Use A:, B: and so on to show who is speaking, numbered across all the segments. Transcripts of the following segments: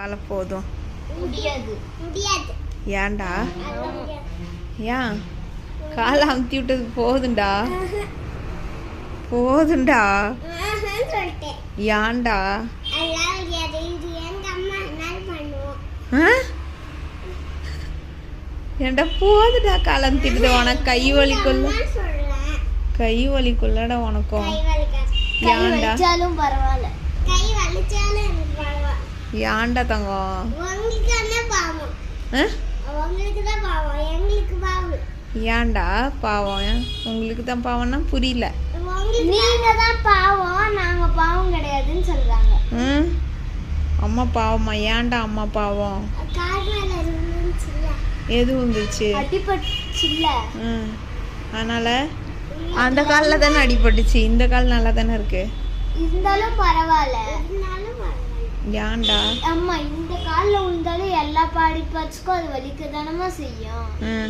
A: காலை போதும்.
B: முடியாது.
A: ஏன்டா? ஏன் காலை அமுத்தி விட்டது போதுண்டா? போதுண்டா. ஏன்டா? ஏன்டா போதுடா காலை அமுத்திட்டு உனக்கு கை வலிக்குள்ளடா உனக்கும். ஏன்டா
B: பரவாயில்ல.
A: ஏன்டா தங்கம்? ஏன்டா பாவம்? உங்களுக்கு தான் பாவம்னா புரியல.
B: நீங்க தான் பாவம், நாங்க பாவம் கிடையாதுன்னு சொல்றாங்க.
A: அம்மா பாவமா? ஏன்டா அம்மா பாவம்? எது வந்துச்சு?
B: அடிபட்டுச்சுல்ல.
A: அதனால அந்த காலில் தானே அடிபட்டுச்சு, இந்த கால் நல்லா தானே இருக்கு.
B: இருந்தாலும் பரவாயில்ல.
A: ஏன்டா?
B: அம்மா இந்த காலில் விழுந்தாலும் எல்லா பாடி பார்ட்ஸ்க்கும் அது வலிக்க தானமா செய்யும்.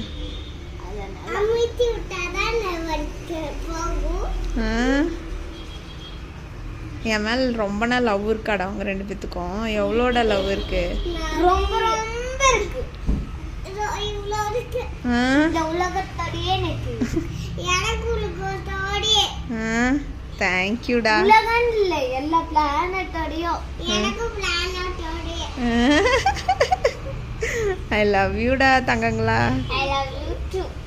A: என் மேல ரொம்ப நாள் லவ் இருக்காடா அவங்க ரெண்டு பேத்துக்கும்? எவ்வளோட லவ் இருக்கு?
B: ரொம்ப ரொம்ப இருக்கு. இந்த உலகத்தோடயே எனக்கு உலகத்தோடயே.
A: தேங்க்யூடா.
B: உலகம் இல்லை, எல்லா பிளானட்டோடயும். எனக்கு பிளானட்டோடயே.
A: ஐ லவ் யூடா தங்கங்களா.
B: I love you two.